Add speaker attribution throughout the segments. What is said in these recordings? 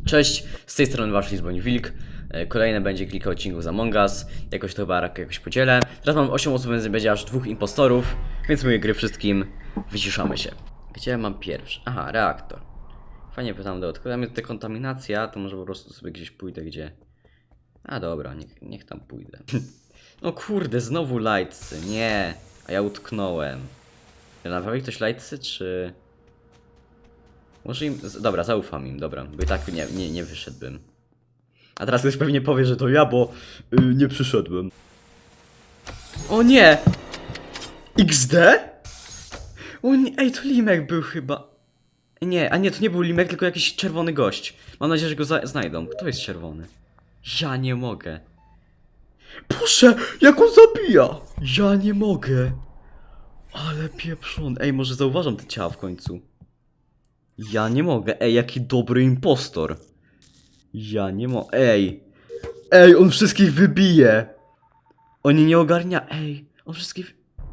Speaker 1: Cześć, z tej strony wasz Lizboń Wilk. Kolejne będzie kilka odcinków z Among Us. Jakoś to chyba jakoś podzielę. Teraz mam 8 osób, więc będzie aż 2 impostorów. Więc mówię gry wszystkim. Wyciszamy się. Gdzie mam pierwszy? Aha, reaktor. Fajnie pytam do odkrycia. Tam dekontaminacja, to może po prostu sobie gdzieś pójdę, gdzie... A dobra, niech tam pójdę. No kurde, znowu lightsy. Nie, a ja utknąłem. Naprawi ktoś lightsy, czy... Może im... Dobra, zaufam im, dobra, bo i tak nie wyszedłbym. A teraz ktoś pewnie powie, że to ja, bo nie przyszedłem. O nie! XD? O nie, ej, to Limek był chyba. Nie, a nie, to nie był Limek, tylko jakiś czerwony gość. Mam nadzieję, że go znajdą. Kto jest czerwony? Ja nie mogę. Boże, jak on zabija! Ja nie mogę. Ale pieprzony. Ej, może zauważam te ciała w końcu. Ja nie mogę. Ej, jaki dobry impostor. Ja nie mogę. Ej. Ej, on wszystkich wybije. Oni nie ogarnia. Ej, on wszystkich...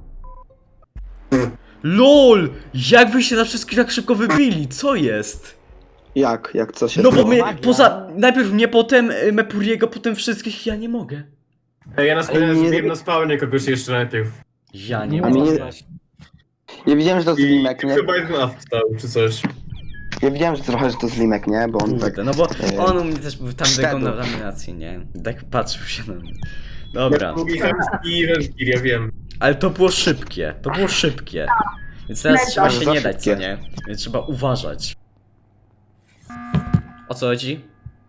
Speaker 1: LOL! Jak wy się na wszystkich tak szybko wybili? Co jest?
Speaker 2: Jak co się
Speaker 1: No bo
Speaker 2: stało?
Speaker 1: my, najpierw mnie, potem Mepuriego, potem wszystkich, ja nie mogę.
Speaker 3: Ej, ja na
Speaker 2: Ej, nie-
Speaker 3: zbiłem na spawnie kogoś jeszcze najpierw.
Speaker 1: Ja nie
Speaker 2: A mnie
Speaker 1: mogę.
Speaker 2: nie- Ja widziałem, że to
Speaker 3: I
Speaker 2: Zlimek, nie?
Speaker 3: chyba jeden AF stał, czy coś.
Speaker 2: Ja widziałem, że trochę, że to Zlimek, nie? Bo on tak...
Speaker 1: Kurde, no bo
Speaker 2: Ej.
Speaker 1: on u mnie też był tam
Speaker 2: Szedł.
Speaker 1: dekontaminacji, nie? Tak patrzył się na mnie. Dobra.
Speaker 3: Drugi chamski i Renskir, ja wiem.
Speaker 1: Ale to było szybkie, to było szybkie. Więc teraz trzeba się
Speaker 2: Za
Speaker 1: nie dać, co
Speaker 2: szybkie.
Speaker 1: nie? Więc trzeba uważać. O co chodzi?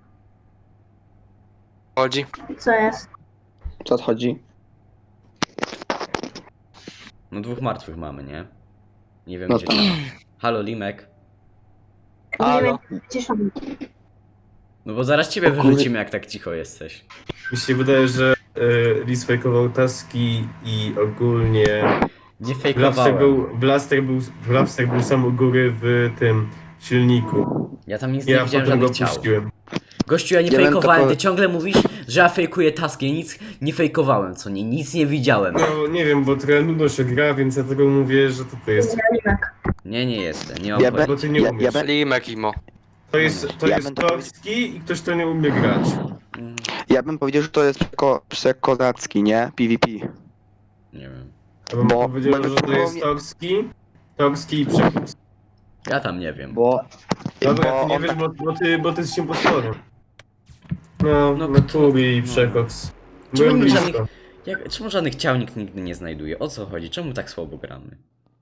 Speaker 4: Chodzi.
Speaker 5: Co jest?
Speaker 2: Co odchodzi?
Speaker 1: No 2 martwych mamy, nie? Nie wiem
Speaker 2: No
Speaker 1: gdzie
Speaker 2: to-
Speaker 1: ciało. Halo Limek.
Speaker 4: Halo.
Speaker 5: Ciszą.
Speaker 1: No bo zaraz ciebie wyrzucimy jak tak cicho jesteś.
Speaker 3: Mi się wydaje, że Lis fejkował taski i ogólnie...
Speaker 1: Nie
Speaker 3: Blaster
Speaker 1: fejkowałem.
Speaker 3: Blaster był sam u góry w tym silniku.
Speaker 1: Ja tam nic nie
Speaker 3: Ja
Speaker 1: widziałem
Speaker 3: potem go
Speaker 1: żadnych ciał.
Speaker 3: puściłem.
Speaker 1: Gościu, ja nie
Speaker 2: Ja bym
Speaker 1: fejkowałem,
Speaker 2: tylko-
Speaker 1: ty ciągle mówisz, że ja fejkuję taski, ja nic nie fejkowałem, co nie? Nic nie widziałem.
Speaker 3: No nie wiem, bo trochę nudno się gra, więc ja tego mówię, że to ty jest.
Speaker 5: Limek.
Speaker 1: Nie jestem, nie mam
Speaker 2: Ja
Speaker 1: pojęcia.
Speaker 3: Bo ty nie
Speaker 2: Ja-
Speaker 3: umiesz.
Speaker 2: ja
Speaker 4: Limek imo.
Speaker 3: To jest
Speaker 2: Ja bym to
Speaker 3: Torski i ktoś, kto nie umie grać.
Speaker 1: Mm,
Speaker 2: Ja bym powiedział, że to jest przekozacki, nie? PvP.
Speaker 1: Nie wiem.
Speaker 3: Ja bym
Speaker 2: Bo-
Speaker 3: powiedział,
Speaker 2: bo-
Speaker 3: że to jest Torski i Przekops.
Speaker 1: Ja tam nie wiem.
Speaker 2: Bo...
Speaker 3: Dobra,
Speaker 2: bo
Speaker 3: ty nie
Speaker 2: on
Speaker 3: wiesz,
Speaker 2: tak...
Speaker 3: bo ty jesteś impostorem. No,
Speaker 1: No,
Speaker 3: Meturi i
Speaker 1: no.
Speaker 3: Przekops.
Speaker 1: Czemu
Speaker 3: Byłem
Speaker 1: nikt
Speaker 3: blisko.
Speaker 1: Czemu żadnych ciał nikt nigdy nie znajduje? O co chodzi? Czemu tak słabo gramy?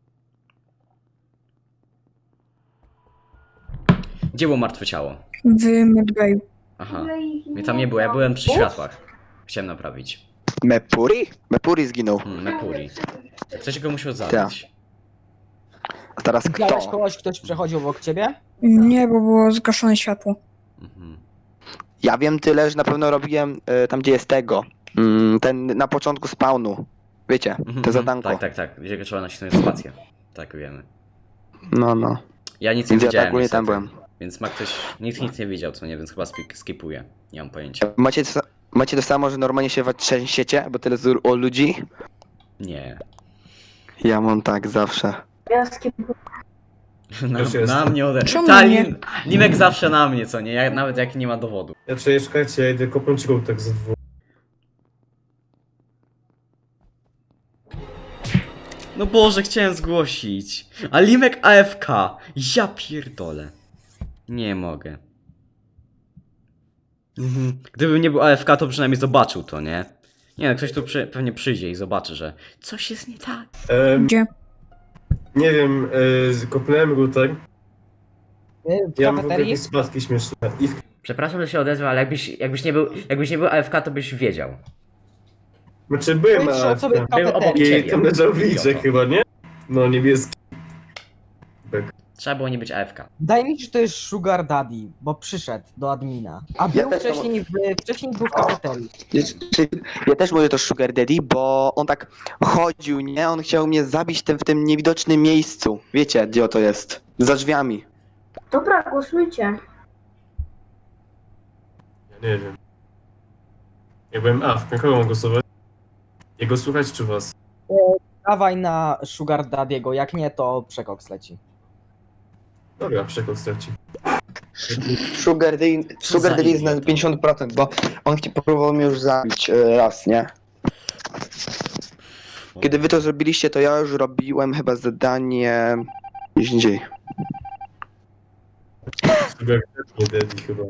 Speaker 1: Gdzie było martwe ciało?
Speaker 6: W Medbayu.
Speaker 1: Aha, mnie tam nie było, ja byłem przy światłach. Chciałem naprawić.
Speaker 2: Mepuri? Mepuri zginął.
Speaker 1: Mepuri. Ktoś go musiał zabić.
Speaker 2: A teraz
Speaker 7: Widziałeś
Speaker 2: kto?
Speaker 7: kogoś, ktoś przechodził obok ciebie?
Speaker 6: Nie, bo było zgaszone światło.
Speaker 1: Mhm.
Speaker 2: Ja wiem tyle, że na pewno robiłem tam, gdzie jest tego. Ten na początku spawnu. Wiecie,
Speaker 1: Mhm,
Speaker 2: to zadanko.
Speaker 1: Tak, gdzie trzeba nacisnąć spację. Tak, wiemy.
Speaker 2: No.
Speaker 1: Ja nic nie
Speaker 2: Więc ja
Speaker 1: widziałem
Speaker 2: tak ogólnie tam
Speaker 1: niestety.
Speaker 2: byłem.
Speaker 1: Więc ma ktoś... Nikt nic nie wiedział, co nie, więc chyba skipuję. Nie mam pojęcia.
Speaker 2: Macie to samo, że normalnie się trzęsiecie, bo tyle o ludzi?
Speaker 1: Nie.
Speaker 2: Ja mam tak zawsze.
Speaker 5: Ja skipuję.
Speaker 3: Też jest.
Speaker 1: Na mnie ode...
Speaker 6: Czemu
Speaker 1: Ta,
Speaker 6: nie?
Speaker 1: Limek zawsze na mnie, co nie? Nawet jak nie ma dowodu.
Speaker 3: Ja czekajcie, ja idę kopnąć tak z dwóch.
Speaker 1: No Boże, chciałem zgłosić. A Limek AFK. Ja pierdolę. Nie mogę. Gdybym nie był AFK, to przynajmniej zobaczył to, nie? Nie no, ktoś tu pewnie przyjdzie i zobaczy, że coś jest nie tak.
Speaker 6: Gdzie?
Speaker 3: Nie wiem, kopnąłem router.
Speaker 7: W
Speaker 3: Ja mam w ogóle
Speaker 7: kafeterii?
Speaker 3: jakieś spadki śmieszne. I w...
Speaker 1: Przepraszam, że się odezwał, ale jakbyś nie był AFK, to byś wiedział.
Speaker 3: Znaczy byłem
Speaker 7: Powiedz, że
Speaker 3: na
Speaker 7: sobie w
Speaker 1: Był obok
Speaker 7: kafeterii.
Speaker 1: ciebie.
Speaker 3: i tam leżał w liczek
Speaker 1: Idioto.
Speaker 3: chyba, nie? No niebieski.
Speaker 1: Trzeba było nie być AFK.
Speaker 7: Daj mi, że to jest Sugar Daddy, bo przyszedł do admina. A
Speaker 2: Ja
Speaker 7: był
Speaker 2: też
Speaker 7: wcześniej był w kafeterii.
Speaker 2: Ja też mówię to Sugar Daddy, bo on tak chodził, nie? On chciał mnie zabić w tym niewidocznym miejscu. Wiecie, gdzie to jest? Za drzwiami.
Speaker 5: Dobra, głosujcie.
Speaker 3: Ja nie wiem. Ja byłem w kogo mam głosować? Jego słuchać czy was?
Speaker 7: Dawaj na Sugar Daddy'ego, jak nie to przekoks leci.
Speaker 3: Dobra, Przekops straci.
Speaker 2: Sugar
Speaker 1: Co za
Speaker 2: Daddy jest na
Speaker 1: idiota.
Speaker 2: 50%, bo on próbował mnie już zabić raz, nie? Kiedy wy to zrobiliście, to ja już robiłem chyba zadanie gdzieś indziej.
Speaker 3: Sugar nie Daddy chyba.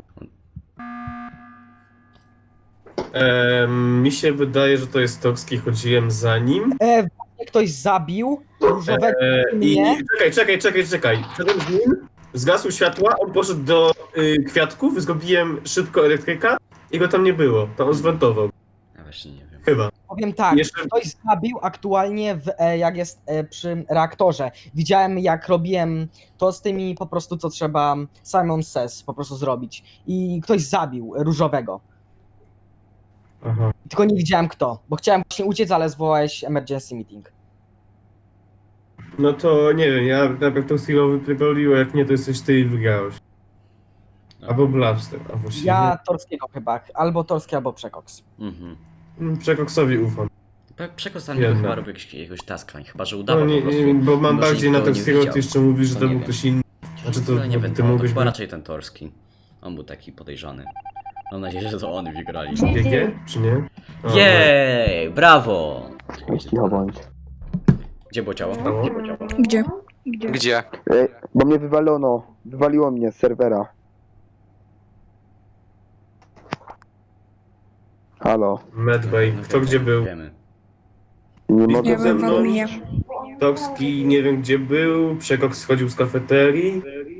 Speaker 3: Mi się wydaje, że to jest Tokski, chodziłem za nim.
Speaker 7: Właśnie ktoś zabił różowego
Speaker 3: I
Speaker 7: mnie.
Speaker 3: czekaj. Szedłem z nim, zgasły światła, on poszedł do kwiatków, zrobiłem szybko elektryka i go tam nie było. To on zwentował.
Speaker 1: Ja właśnie nie wiem.
Speaker 3: Chyba.
Speaker 7: Powiem tak,
Speaker 3: Jeszcze-
Speaker 7: ktoś zabił aktualnie jak jest przy reaktorze. Widziałem jak robiłem to z tymi po prostu co trzeba Simon Says po prostu zrobić. I ktoś zabił różowego.
Speaker 3: Aha.
Speaker 7: Tylko nie widziałem kto, bo chciałem właśnie uciec, ale zwołałeś emergency meeting.
Speaker 3: No to nie wiem, ja najpierw tą chwilę wypierdoliłem, jak nie to jesteś ty i wygrałeś. Albo Blabster, a właściwie...
Speaker 7: Ja Torskiego chyba, albo Torski, albo Przekoks.
Speaker 1: Mhm.
Speaker 3: Przekoksowi ufam.
Speaker 1: Przekostanie
Speaker 3: Jedno.
Speaker 1: chyba robił jakiegoś taska, chyba że
Speaker 3: No
Speaker 1: udawał
Speaker 3: nie,
Speaker 1: po prostu.
Speaker 3: nie, bo mam
Speaker 1: mimo, że
Speaker 3: bardziej na
Speaker 1: nikt go
Speaker 3: to
Speaker 1: nie
Speaker 3: chwilę,
Speaker 1: widział.
Speaker 3: ty jeszcze mówisz, że
Speaker 1: To
Speaker 3: to
Speaker 1: nie
Speaker 3: był
Speaker 1: wiem.
Speaker 3: ktoś inny. Znaczy to,
Speaker 1: Ale nie wiem,
Speaker 3: ty
Speaker 1: to
Speaker 3: mogłeś
Speaker 1: chyba
Speaker 3: być
Speaker 1: raczej ten Torski. On był taki podejrzany. Mam nadzieję, że to oni wygrali.
Speaker 3: GG, czy nie? O,
Speaker 1: Jej, brawo!
Speaker 2: Cicho bądź.
Speaker 1: Gdzie było ciało?
Speaker 3: Stało?
Speaker 6: Gdzie?
Speaker 8: Gdzie?
Speaker 2: Bo mnie wywaliło mnie z serwera. Halo,
Speaker 3: Medbay, kto gdzie był?
Speaker 1: Wiemy.
Speaker 2: nie
Speaker 3: Nie
Speaker 2: mogę
Speaker 6: Nie
Speaker 3: ze
Speaker 6: wiem,
Speaker 3: mną.
Speaker 6: w adminie.
Speaker 3: Tokski nie wiem gdzie był, Przekoks schodził z kafeterii.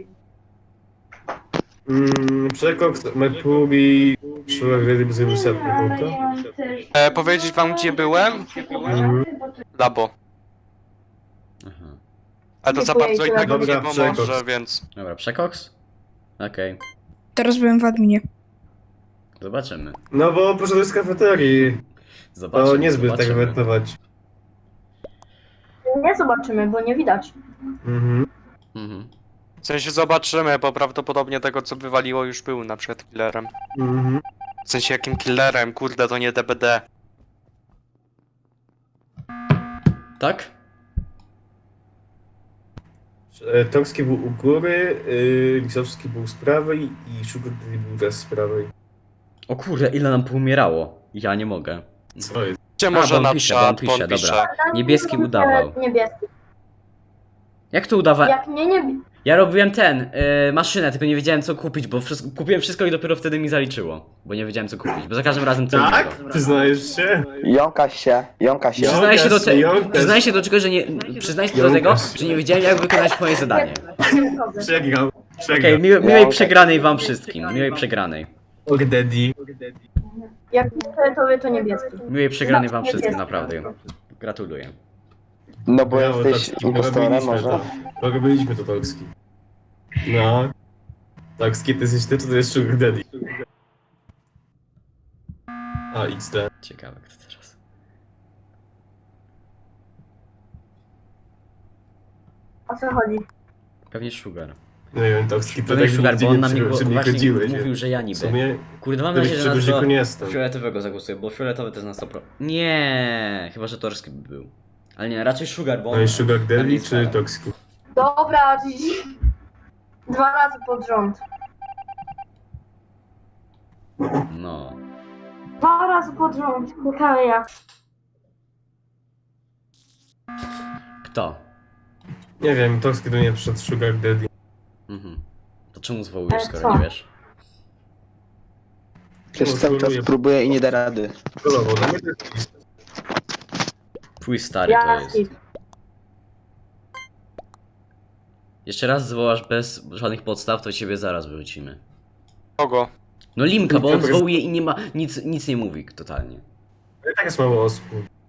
Speaker 3: Przekoks, Mercury, Sugar Daddy by zrobił setkę, to?
Speaker 8: Powiedzieć wam gdzie byłem?
Speaker 3: Mhm.
Speaker 8: Labo.
Speaker 1: Aha.
Speaker 8: Ale to za
Speaker 5: Dziękuję,
Speaker 8: bardzo innego
Speaker 3: dobra,
Speaker 8: nie pomoże,
Speaker 3: Przekoks.
Speaker 8: więc...
Speaker 1: Dobra, Przekoks? Okej,
Speaker 6: Teraz byłem w adminie.
Speaker 1: zobaczymy.
Speaker 3: No bo poszedłeś z kafeterii,
Speaker 1: Zobaczymy,
Speaker 3: to niezbyt tak
Speaker 1: zobaczymy.
Speaker 3: wentować.
Speaker 5: Nie zobaczymy, bo nie widać.
Speaker 3: Mhm.
Speaker 1: Mhm.
Speaker 8: W sensie zobaczymy, bo prawdopodobnie tego co wywaliło już był na przykład killerem.
Speaker 3: Mhm.
Speaker 8: W sensie jakim killerem, kurde to nie DBD.
Speaker 1: Tak?
Speaker 3: Tokski był u góry, Lisowski był z prawej i Sugar Daddy był też z prawej.
Speaker 1: O kurde, ile nam poumierało. Ja nie mogę.
Speaker 3: Co jest?
Speaker 8: Gdzie
Speaker 1: A,
Speaker 8: może
Speaker 1: bo on
Speaker 8: na
Speaker 1: pisze,
Speaker 8: czat,
Speaker 1: bo on pisze,
Speaker 8: bo on pisze.
Speaker 1: dobra. Niebieski udawał.
Speaker 5: Niebieski.
Speaker 1: Jak to udawa?
Speaker 5: Jak nie.
Speaker 1: Ja robiłem maszynę, tylko nie wiedziałem co kupić, bo kupiłem wszystko i dopiero wtedy mi zaliczyło. Bo nie wiedziałem co kupić, bo za każdym razem co
Speaker 3: Tak?
Speaker 1: innego.
Speaker 3: Przyznajesz się?
Speaker 2: Jąka się.
Speaker 1: Przyznaję się do
Speaker 3: Jąkasz.
Speaker 1: przyznaję się do czego, że nie. Przyznaję się do tego,
Speaker 3: Jąkasz.
Speaker 1: że nie wiedziałem jak wykonać moje zadanie.
Speaker 3: Przegrał.
Speaker 1: Okej, miłej przegranej wam wszystkim. Miłej przegranej.
Speaker 3: Sugar Daddy.
Speaker 5: Jak nie tobie, to niebieski.
Speaker 1: Miłej przegranej wam wszystkim, naprawdę. Gratuluję.
Speaker 2: No bo
Speaker 3: Brawo,
Speaker 2: jesteś
Speaker 3: Tokski,
Speaker 2: impostorem
Speaker 3: robiliśmy
Speaker 2: może?
Speaker 3: to. Robiliśmy to, Tokski. No. Tokski, ty jesteś ty, czy to jest Sugar Daddy? A, XD.
Speaker 1: Ciekawe kto teraz.
Speaker 5: O co chodzi?
Speaker 1: Pewnie Sugar.
Speaker 3: Nie wiem, Tokski, to
Speaker 1: Pewnie
Speaker 3: tak
Speaker 1: Sugar,
Speaker 3: nigdzie
Speaker 1: bo on
Speaker 3: nie
Speaker 1: na mnie
Speaker 3: przychodziłeś,
Speaker 1: właśnie
Speaker 3: nie?
Speaker 1: mówił, że ja
Speaker 3: W
Speaker 1: niby.
Speaker 3: sumie,
Speaker 1: Kurde, mam
Speaker 3: gdybyś
Speaker 1: nadzieję, że
Speaker 3: przy
Speaker 1: nas do
Speaker 3: guziku nie jestem.
Speaker 1: fioletowego zagłosuję, bo fioletowy to jest na 100%. Nie, chyba że Torski by był. Ale nie, raczej Sugar, bo
Speaker 3: No
Speaker 1: on...
Speaker 3: i Sugar
Speaker 1: na
Speaker 3: Daddy
Speaker 1: mnie
Speaker 3: czy
Speaker 1: stara.
Speaker 3: Tokski?
Speaker 5: Dobra, 2 razy pod rząd.
Speaker 1: No.
Speaker 5: 2 razy pod rząd. Ciekawe jak.
Speaker 1: Kto?
Speaker 3: Nie wiem, Tokski do mnie przyszedł Sugar Daddy.
Speaker 1: Mhm. To czemu zwołujesz,
Speaker 5: Ale
Speaker 1: skoro
Speaker 5: co?
Speaker 1: nie wiesz?
Speaker 2: Przecież cały czas próbuję i nie da rady.
Speaker 3: Kolowo, dla mnie to jest...
Speaker 1: Twój stary to
Speaker 5: Ja
Speaker 1: jest.
Speaker 5: skip.
Speaker 1: Jeszcze raz zwołasz bez żadnych podstaw, to ciebie zaraz wyrzucimy.
Speaker 8: Kogo?
Speaker 1: No Limka, bo on
Speaker 3: Dobra, jest-
Speaker 1: zwołuje i nie ma... nic nie mówi totalnie.
Speaker 3: I tak jest mało osób.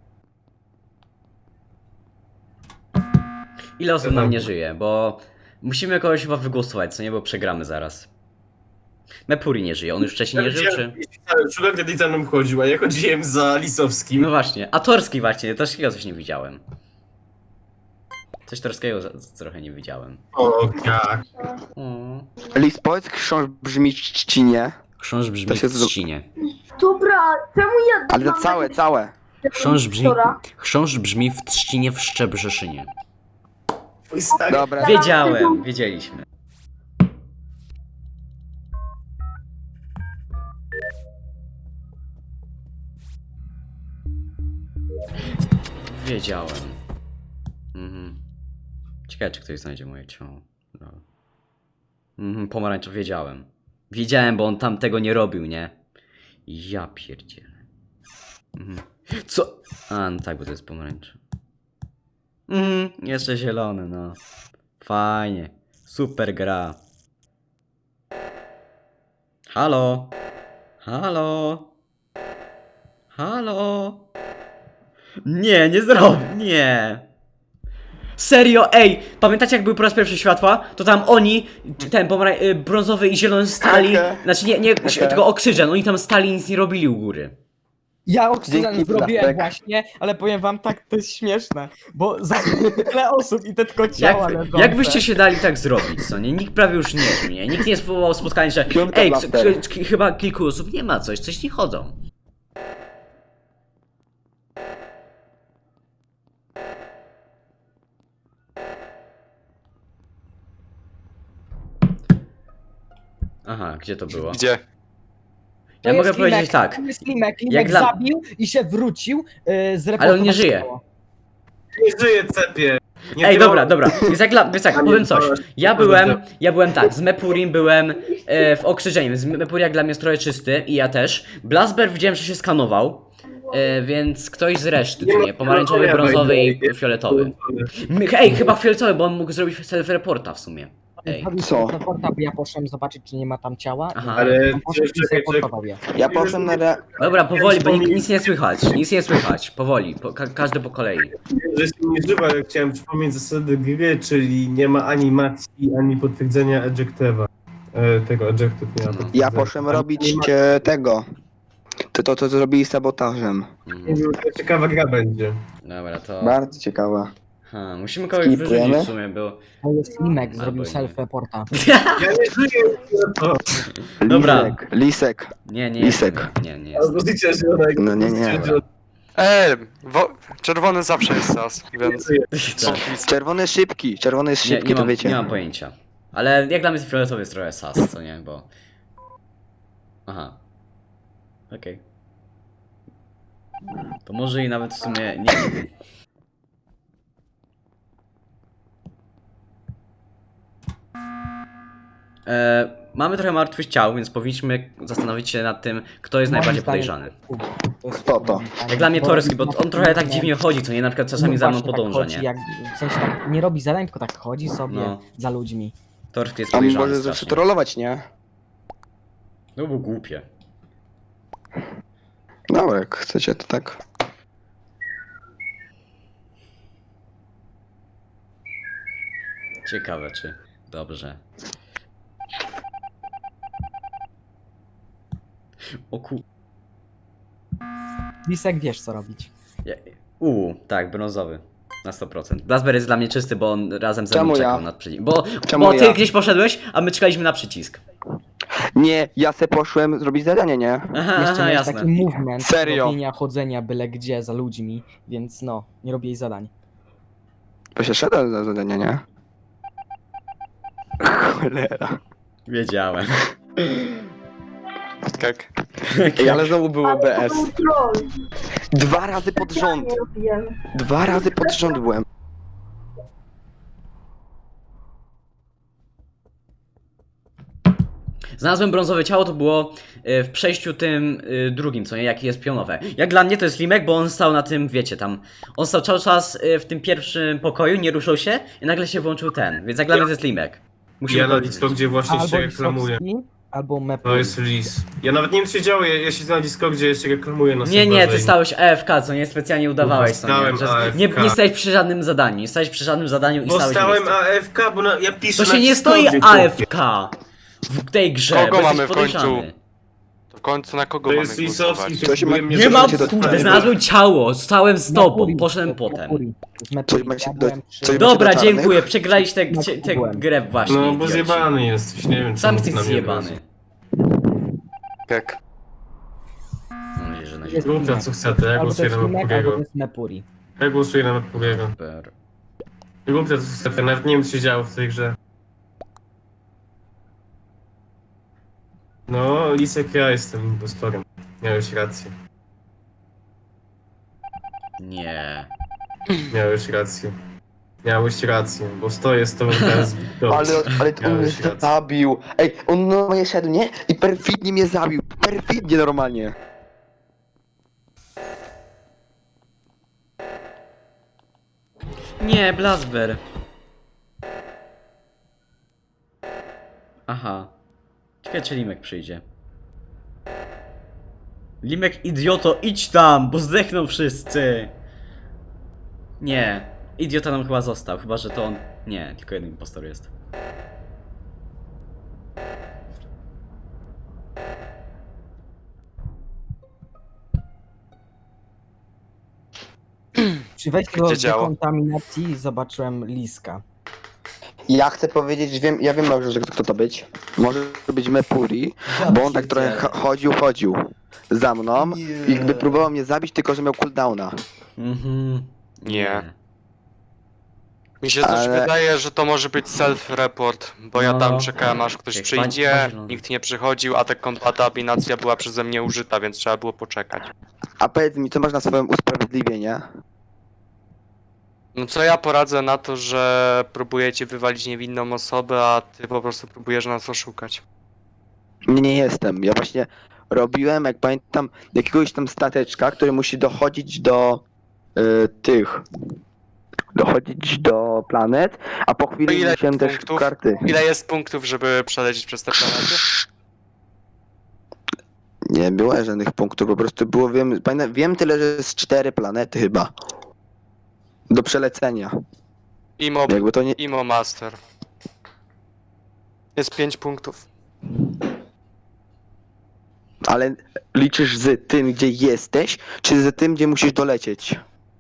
Speaker 1: Ile osób nam nie żyje, bo... Musimy kogoś chyba wygłosować, co nie, bo przegramy zaraz. Mepuri nie żyje, on już wcześniej nie żył, czy...
Speaker 3: Sugar Daddy za mną chodził, a ja chodziłem za Lisowskim.
Speaker 1: No właśnie, a Torski właśnie, Torskiego coś nie widziałem. Coś Torskiego trochę nie widziałem.
Speaker 3: O, jak?
Speaker 1: O.
Speaker 2: Lis, powiedz książ brzmi czcinie.
Speaker 1: Chrząszcz brzmi
Speaker 2: To się
Speaker 1: w
Speaker 2: zro-
Speaker 1: trzcinie.
Speaker 5: Dobra, czemu ja...
Speaker 2: Ale to
Speaker 5: mam
Speaker 2: całe,
Speaker 5: takie-
Speaker 2: całe.
Speaker 1: Chrząszcz brzmi w trzcinie w Szczebrzeszynie.
Speaker 3: Twój stary.
Speaker 2: Dobra.
Speaker 1: Wiedziałem, wiedzieliśmy. Wiedziałem. Ciekawe, czy ktoś znajdzie moje ciało. No. Pomarańczowy, wiedziałem. Wiedziałem, bo on tam tego nie robił, nie? Ja pierdzielę. Co? A, no tak, bo to jest pomarańczowy. Jeszcze zielony, no. Fajnie. Super gra. Halo? Halo? Halo? Nie, nie zrobię, nie. Serio, ej, pamiętacie jak były po raz pierwszy światła? To tam oni, ten brązowy i zielony stali, znaczy nie, tylko oksygen, oni tam stali i nic nie robili u góry.
Speaker 7: Ja oksygen
Speaker 2: Dzięki,
Speaker 7: zrobiłem
Speaker 2: Blasek.
Speaker 7: właśnie, ale powiem wam tak, to jest śmieszne, bo zabiłem tyle osób i te tylko ciała leżące.
Speaker 1: Jak byście się dali tak zrobić, co nie? Nikt prawie już nie żył, nie? Nikt nie spowołał spotkania, że
Speaker 2: Piątka
Speaker 1: ej,
Speaker 2: Blasek.
Speaker 1: chyba kilku osób nie ma coś nie chodzą. Aha, gdzie to było?
Speaker 8: Gdzie?
Speaker 7: To
Speaker 1: Ja
Speaker 7: jest
Speaker 1: mogę powiedzieć
Speaker 7: Limek,
Speaker 1: tak.
Speaker 7: to jest Limek,
Speaker 1: Jak
Speaker 7: Limek
Speaker 1: dla-
Speaker 7: zabił i się wrócił, zreportował
Speaker 1: Ale on nie żyje.
Speaker 7: ciało.
Speaker 3: Nie żyje, cepie. Nie
Speaker 1: Ej,
Speaker 3: wiem,
Speaker 1: dobra, więc tak, powiem coś. Ja byłem tak, z Mepurim byłem w Okrzyżeniu, z Mepurim jak dla mnie jest trochę czysty i ja też. Blasber widziałem, że się skanował, więc ktoś z reszty, co nie? Pomarańczowy, brązowy i fioletowy. Ej, chyba fioletowy, bo on mógł zrobić self-reporta w sumie. Ej,
Speaker 7: Zrobił
Speaker 2: Co?
Speaker 7: sobie reporta, bo ja poszedłem zobaczyć, czy nie ma tam ciała.
Speaker 1: Aha.
Speaker 3: Ale
Speaker 7: I poszedł i zreportował je.
Speaker 2: Ja poszedłem na
Speaker 1: dobra, powoli, bo nic nie słychać, powoli, każdy po kolei.
Speaker 3: że się nie żywa, ale chciałem przypomnieć zasady gry, czyli nie ma animacji, ani potwierdzenia ejectewa. Tego ejective nie ma
Speaker 1: No.
Speaker 3: potwierdzenia.
Speaker 2: Ja poszedłem robić tego. To co zrobili sabotażem.
Speaker 3: Nie wiem, to ciekawa gra będzie.
Speaker 1: Dobra, to...
Speaker 2: Bardzo ciekawa.
Speaker 1: Musimy kogoś
Speaker 2: Skipujemy?
Speaker 1: wyrzucić w sumie, bo...
Speaker 7: To jest Limek, zrobił
Speaker 1: Albo nie.
Speaker 7: self-reporta.
Speaker 3: Ja nie żyję, to.
Speaker 1: Dobra.
Speaker 2: Lisek.
Speaker 1: Nie
Speaker 2: Lisek.
Speaker 1: Nie jest.
Speaker 3: Pozycja zielonego.
Speaker 2: No nie.
Speaker 8: Czerwony zawsze jest sas, więc...
Speaker 1: Tak.
Speaker 2: Czerwony jest szybki, to wiecie.
Speaker 1: Nie mam pojęcia. Ale jak dla mnie fioletowy jest trochę sas, co nie, bo... Aha. Okej. To może i nawet w sumie nie wiem. Mamy trochę martwych ciał, więc powinniśmy zastanowić się nad tym, kto jest
Speaker 7: Moim
Speaker 1: najbardziej
Speaker 7: zdaniem-
Speaker 1: podejrzany.
Speaker 2: Kto to?
Speaker 1: Jak dla mnie Torski, bo on trochę tak dziwnie chodzi, co nie? Na przykład czasami
Speaker 7: No
Speaker 1: za mną
Speaker 7: właśnie,
Speaker 1: podąża,
Speaker 7: tak chodzi,
Speaker 1: nie?
Speaker 7: Jak, w sensie tak nie robi zadań, tylko tak chodzi sobie
Speaker 1: No.
Speaker 7: za ludźmi.
Speaker 1: Torski jest
Speaker 2: A
Speaker 1: podejrzany
Speaker 2: może
Speaker 1: strasznie.
Speaker 2: zacząć trollować, nie?
Speaker 1: No było głupie.
Speaker 2: Dobra, jak chcecie, to tak.
Speaker 1: Ciekawe czy... Dobrze. O ku...
Speaker 7: Lisek, wiesz co robić.
Speaker 1: Tak, brązowy. Na 100%. Blasber jest dla mnie czysty, bo on razem ze
Speaker 2: Czemu
Speaker 1: mną
Speaker 2: ja?
Speaker 1: czekał na przycisk. Bo
Speaker 2: Czemu
Speaker 1: ty
Speaker 2: ja?
Speaker 1: gdzieś poszedłeś, a my czekaliśmy na przycisk.
Speaker 2: Nie, ja se poszłem zrobić zadanie, nie?
Speaker 1: Aha,
Speaker 7: Jeszcze miałeś
Speaker 1: jasne.
Speaker 7: taki movement
Speaker 2: Serio?
Speaker 7: robienia, chodzenia byle gdzie za ludźmi, więc no, nie robię jej zadań.
Speaker 2: Bo się szedłem za zadanie, nie? Cholera.
Speaker 1: Wiedziałem.
Speaker 8: Tak.
Speaker 2: Ej, ale znowu było
Speaker 5: Ale to
Speaker 2: BS.
Speaker 5: był troll.
Speaker 2: 2 razy pod rząd.
Speaker 5: Nie robiłem.
Speaker 2: 2 razy pod rząd byłem.
Speaker 1: Znalazłem brązowe ciało, to było w przejściu tym drugim, co nie, jaki jest pionowe. Jak dla mnie to jest Limek, bo on stał na tym, wiecie, tam. On stał cały czas w tym pierwszym pokoju, nie ruszał się i nagle się włączył ten. Więc jak dla mnie to jest Limek. Musimy
Speaker 3: Ja na
Speaker 1: powiedzieć.
Speaker 3: Discordzie właśnie
Speaker 7: Albo
Speaker 3: się reklamuję.
Speaker 7: Lisowski, albo Mepu.
Speaker 3: To jest lis. Ja nawet nie wiem co się działo, ja siedzę na Discordzie, ja się reklamuję na
Speaker 1: Nie,
Speaker 3: serwerze
Speaker 1: ty
Speaker 3: i-
Speaker 1: stałeś AFK, co nie, specjalnie udawałeś, co nie.
Speaker 3: Stałem
Speaker 1: Że
Speaker 3: AFK.
Speaker 1: nie stałeś przy żadnym zadaniu, nie stałeś przy żadnym zadaniu i
Speaker 3: Bo
Speaker 1: stałeś
Speaker 3: stałem
Speaker 1: w miejscu.
Speaker 3: AFK, bo ja piszę
Speaker 1: To
Speaker 3: na
Speaker 1: się nie stoi
Speaker 3: Discordzie,
Speaker 1: AFK w tej grze,
Speaker 8: Kogo
Speaker 1: bo jesteś
Speaker 8: mamy w końcu?
Speaker 1: podejrzany.
Speaker 8: To w końcu na kogo
Speaker 3: To
Speaker 8: mamy
Speaker 3: jest
Speaker 8: głosować?
Speaker 3: Lisowski,
Speaker 2: To się ma-
Speaker 3: próbuje mnie
Speaker 1: Nie mam,
Speaker 2: Zobaczcie, to-
Speaker 1: kurde, znalazłem ciało, stałem z tobą,
Speaker 7: Mercury,
Speaker 1: poszedłem
Speaker 7: to jest
Speaker 1: potem.
Speaker 7: Mercury, to jest
Speaker 2: Coś
Speaker 7: Mercury,
Speaker 2: macie
Speaker 7: ja
Speaker 2: do-
Speaker 7: byłem przy-
Speaker 2: coś-
Speaker 1: Dobra,
Speaker 2: do czarnych?
Speaker 1: dziękuję, przegraliście
Speaker 7: No,
Speaker 1: tę
Speaker 7: byłem.
Speaker 1: grę właśnie.
Speaker 3: No bo
Speaker 1: idioci.
Speaker 3: zjebany jesteś, nie wiem
Speaker 1: Sam
Speaker 3: czemu
Speaker 1: jesteś
Speaker 3: na mnie
Speaker 1: zjebany.
Speaker 8: Tak.
Speaker 1: Mam nadzieję, że na
Speaker 7: Jest
Speaker 3: Rób to co chcecie, ja
Speaker 7: Albo to
Speaker 3: głosuję
Speaker 7: jest
Speaker 3: na
Speaker 7: Limek, albo to
Speaker 3: Mercuriego.
Speaker 7: jest Mepuri.
Speaker 3: Ja głosuję na Mercuriego.
Speaker 1: super.
Speaker 3: Rób to co chcecie, nawet nie wiem co się działo w tej grze. No, Lisek, ja jestem impostorem. Miałeś rację.
Speaker 1: Nie.
Speaker 3: Miałeś rację. Miałeś rację, bo stoję z tobą teraz w Wiktorze.
Speaker 2: Ale on mnie
Speaker 3: Miałeś rację.
Speaker 2: zabił. Ej, on normalnie szedł, nie? I perfidnie mnie zabił. Perfidnie normalnie.
Speaker 1: Nie, Blasber. Aha. Ciekawe, czy Limek przyjdzie. Limek, idioto, idź tam, bo zdechną wszyscy. Nie. Idiota nam chyba został, chyba że to on. Nie, tylko jeden impostor jest.
Speaker 7: Przy wejściu do
Speaker 8: Gdzie działo?
Speaker 7: dekontaminacji zobaczyłem Liska.
Speaker 2: Ja chcę powiedzieć, ja wiem dobrze, że kto to być. Może to być Mepuri, bo on tak trochę chodził za mną i jakby próbował mnie zabić, tylko że miał cooldowna.
Speaker 1: Mhm.
Speaker 8: Nie. Mi się też
Speaker 2: Ale-
Speaker 8: wydaje, że to może być self-report, bo ja
Speaker 1: No.
Speaker 8: tam czekałem aż ktoś
Speaker 1: Jak
Speaker 8: przyjdzie,
Speaker 1: pan-
Speaker 8: nikt nie przychodził, a ta kontaminacja była przeze mnie użyta, więc trzeba było poczekać.
Speaker 2: A powiedz mi, co masz na swoim usprawiedliwienie?
Speaker 8: No co ja poradzę na to, że próbujecie wywalić niewinną osobę, a ty po prostu próbujesz nas oszukać.
Speaker 2: Nie jestem. Ja właśnie robiłem, jak pamiętam, jakiegoś tam stateczka, który musi dochodzić do dochodzić do planet, a po chwili
Speaker 8: Ile
Speaker 2: musiałem też
Speaker 8: punktów?
Speaker 2: karty.
Speaker 8: Ile jest punktów, żeby przelecieć przez te planety?
Speaker 2: Nie było żadnych punktów, po prostu było, wiem tyle, że jest 4 planety chyba. Do przelecenia. Jakby to nie...
Speaker 8: Imo Master. Jest 5 punktów.
Speaker 2: Ale liczysz z tym, gdzie jesteś, czy z tym, gdzie musisz dolecieć?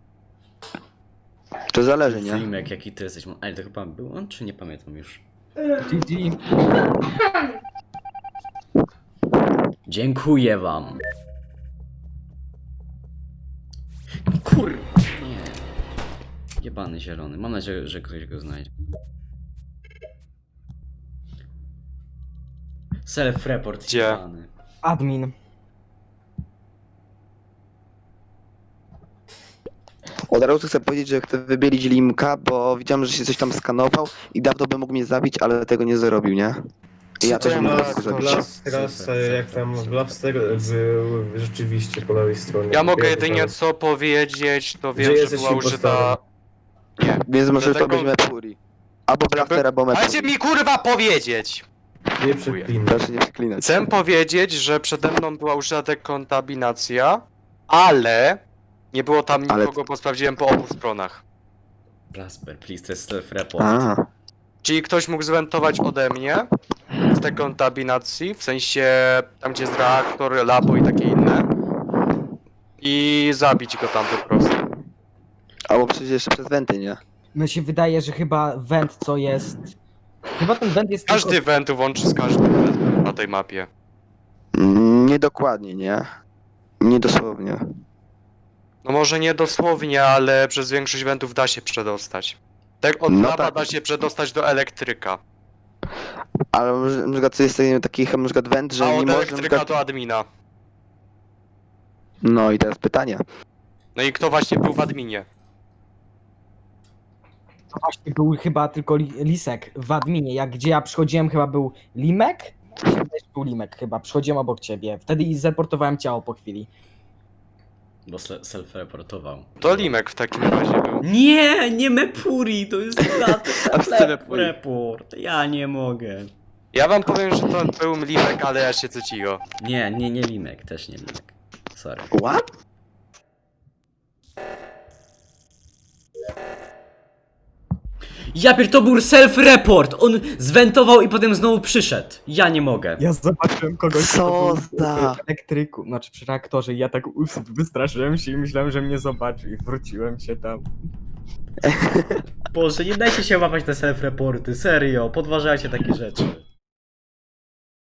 Speaker 2: To zależy, nie?
Speaker 1: Limek, jaki ty jesteś. Ale to chyba był on, czy nie pamiętam już?
Speaker 7: GG.
Speaker 1: Dziękuję wam. Kurwa, nie. Jebany zielony. Mam nadzieję, że ktoś go znajdzie. Self-report
Speaker 8: Gdzie?
Speaker 1: jebany.
Speaker 7: Admin.
Speaker 2: Od razu chcę powiedzieć, że chcę wybielić Limka, bo widziałem, że się coś tam skanował i dawno by mógł mnie zabić, ale tego nie zrobił, nie? I ja też bym mógł go zabić.
Speaker 3: Teraz jak tam Blaster był rzeczywiście po lewej stronie.
Speaker 8: Ja mogę
Speaker 3: Wiem,
Speaker 8: jedynie
Speaker 3: że-
Speaker 8: co powiedzieć, to wiem,
Speaker 3: Gdzie
Speaker 8: że
Speaker 3: jesteś
Speaker 8: była użyta...
Speaker 3: impostorem?
Speaker 8: Nie.
Speaker 2: Więc może to
Speaker 8: Dlatego-
Speaker 2: być Mepuri. Albo Blaster, albo
Speaker 8: Dajcie
Speaker 2: Mepuri.
Speaker 8: mi kurwa powiedzieć!
Speaker 3: Nie przeklinaj.
Speaker 2: Proszę nie przeklinać.
Speaker 8: Chcę powiedzieć, że przede mną była użyta dekontaminacja, ale nie było tam
Speaker 2: Ale-
Speaker 8: nikogo, bo sprawdziłem po obu stronach.
Speaker 1: Blasper, please, to jest self-report.
Speaker 2: A,
Speaker 8: Czyli ktoś mógł zwentować ode mnie z dekontaminacji, w sensie tam gdzie jest reaktor, labo i takie inne. I zabić go tam po prostu.
Speaker 2: albo przecież jeszcze przez wenty, nie?
Speaker 7: Mi się wydaje, że chyba went co jest... Chyba ten went jest
Speaker 8: Każdy
Speaker 7: tylko...
Speaker 8: wentu łączy z każdym na tej mapie.
Speaker 2: Niedokładnie, nie? Niedosłownie.
Speaker 8: No może nie dosłownie, ale przez większość wentów da się przedostać. Tak od
Speaker 2: No
Speaker 8: laba
Speaker 2: tak.
Speaker 8: da się przedostać do elektryka,
Speaker 2: Ale na przykład jest taki na przykład went, że
Speaker 8: a
Speaker 2: nie
Speaker 8: od
Speaker 2: można... na
Speaker 8: elektryka
Speaker 2: przykład-
Speaker 8: do admina.
Speaker 2: No i teraz pytanie.
Speaker 8: No i kto właśnie był w adminie?
Speaker 7: To właśnie był chyba tylko Lisek w adminie. Jak gdzie ja przychodziłem, chyba był Limek? Mi się wydaje, że był Limek chyba. Przychodziłem obok ciebie. Wtedy i zreportowałem ciało po chwili.
Speaker 1: Bo self-reportował.
Speaker 8: To Limek w takim razie był.
Speaker 1: Nie, nie Mepuri, to jest
Speaker 2: Mepuri.
Speaker 1: self-report. Ja nie mogę.
Speaker 8: Ja wam powiem, że to był Limek, ale ja się cicho.
Speaker 1: Nie Limek, też nie Limek. Sorry.
Speaker 2: What?
Speaker 1: Ja pier, to był self-report! On zwentował i potem znowu przyszedł. Ja nie mogę.
Speaker 7: Ja zobaczyłem kogoś,
Speaker 2: Co
Speaker 7: kto był
Speaker 2: za-
Speaker 7: w elektryku, znaczy przy reaktorze i ja tak wystraszyłem się i myślałem, że mnie zobaczy i wróciłem się tam.
Speaker 1: Boże, nie dajcie się łapać te self-reporty, serio, podważajcie takie rzeczy.